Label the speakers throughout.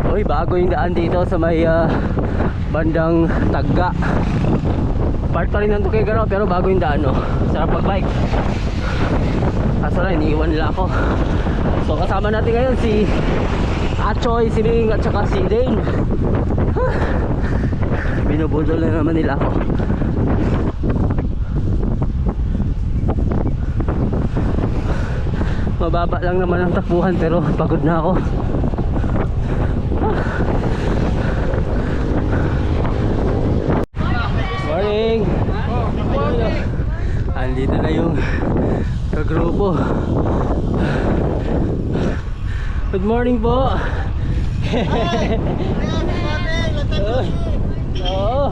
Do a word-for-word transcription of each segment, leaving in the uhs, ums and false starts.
Speaker 1: Uy, bago yung daan dito sa may uh, bandang Tagga. Part pa rin ng Tuquegarao pero bago yung daan, no? Sarap mag-bike. Kaso na, iniiwan nila ako. So kasama natin ngayon si Achoy, si Ling at saka si Dane. Huh. Binubudol na naman nila ako. Mababa lang naman ang takbuhan pero pagod na ako. Morning! Andito na yung kagrupo. Good morning po! Oo.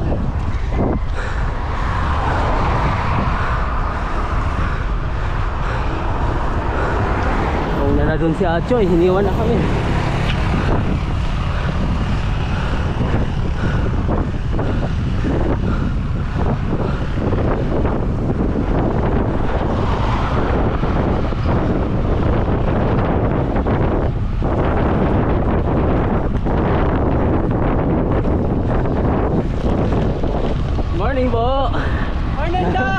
Speaker 1: Una na dun si Achoy, hiniwan na kami. Morning po! Morning da!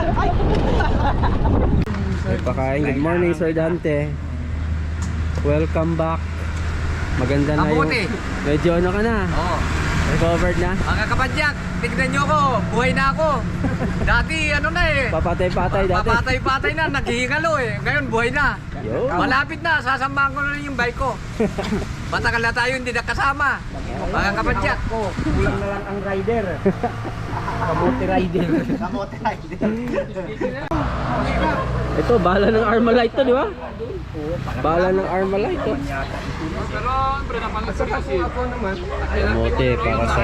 Speaker 1: May pakain. Good morning Sir Dante. Welcome back. Maganda na yung... Medyo ano ka na?
Speaker 2: Oo.
Speaker 1: Recovered na?
Speaker 2: Mga kapadyak, tignan nyo ko, buhay na ako. Dati ano na eh.
Speaker 1: Papatay-patay dati.
Speaker 2: Papatay-patay na, naghihingalo eh. Ngayon buhay na.
Speaker 1: Yo.
Speaker 2: Malapit na, sasamahan ko na rin yung bike ko. Matagal na tayo hindi nakasama. Mga kapadyak.
Speaker 3: Kulang na lang ang rider. Kamote rider. Kamote rider.
Speaker 1: Ito, bala ng Armalite to, di ba? Bala ng Armalite to.
Speaker 2: Pero, pre, napangasin kasi.
Speaker 1: Kamote para sa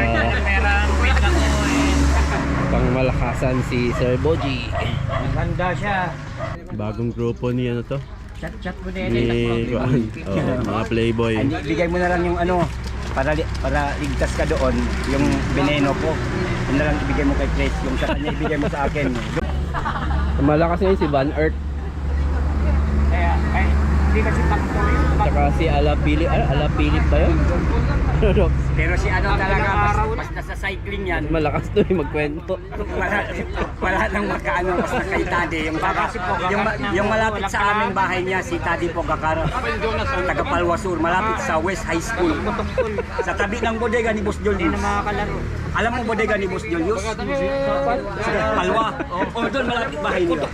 Speaker 1: pangmalakasan si Sir Boji.
Speaker 3: Maganda siya.
Speaker 1: Bagong grupo ni ano to?
Speaker 3: Chat-chat mo din.
Speaker 1: Ni Juan. Oh, mga playboy.
Speaker 3: Hindi, bigay mo na lang yung ano, para para ligtas ka doon, yung veneno ko. Yun na lang ibigay mo kay Chris, yung sa kanya ibigay mo sa akin.
Speaker 1: Malakas ngayon si Van Earth.
Speaker 3: Kaya, ay, hindi kasi takto yun.
Speaker 1: Tsaka si Alapili, ah, Alapilip ba yun?
Speaker 3: Pero si ano talaga, mas, mas nasa cycling yan.
Speaker 1: Malakas to eh, magkwento.
Speaker 3: Wala, wala nang makaano, basta kay Tadi. Yung, yung, yung malapit sa aming bahay niya, si Tadi Pogacar, taga Palwasur, malapit sa West High School. Sa tabi ng bodega ni Boss Julius. Alam mo bodega ni Boss Julius? Palwa. O doon malapit bahay nila.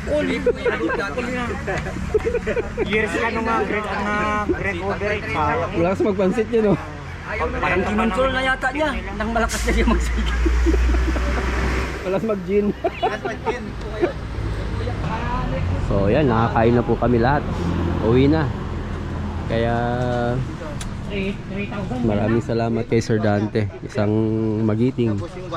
Speaker 3: Years ka nung mga grade order.
Speaker 1: Malakas magpansit yun, no?
Speaker 3: Parang kinontrol na yata niya nang malakas na siya magsige.
Speaker 1: Malakas mag-gin. So yan, nakakain na po kami lahat. Uwi na. Kaya maraming salamat kay Sir Dante. Isang magiting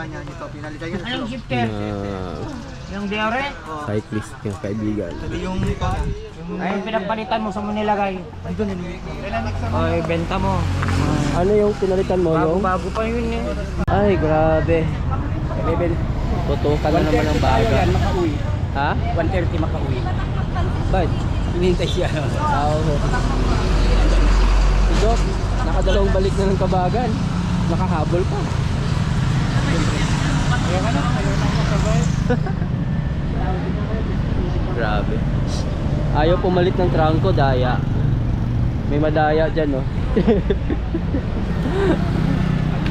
Speaker 1: na
Speaker 3: Yung diore?
Speaker 1: cyclist ng kaibigan.
Speaker 3: Yung ay pinagpalitan mo sa mo nilagay. Andun yun. Ay benta mo.
Speaker 1: Ano yung pinalitan mo?
Speaker 3: Bago
Speaker 1: Yung?
Speaker 3: bago pa yun eh.
Speaker 1: Ay, grabe. Tutukan na naman ang baga.
Speaker 3: Makauwi.
Speaker 1: Ha?
Speaker 3: one thirty makauwi.
Speaker 1: Ba't?
Speaker 3: Hinihintay siya.
Speaker 1: Oo. Si Doc, nakadalawang balik na ng Kabagan. Nakahabol pa.
Speaker 3: Ayaw ka na. Ayaw na makasabay.
Speaker 1: Grabe. Ayaw pumalit ng trangko, daya. May madaya dyan, no?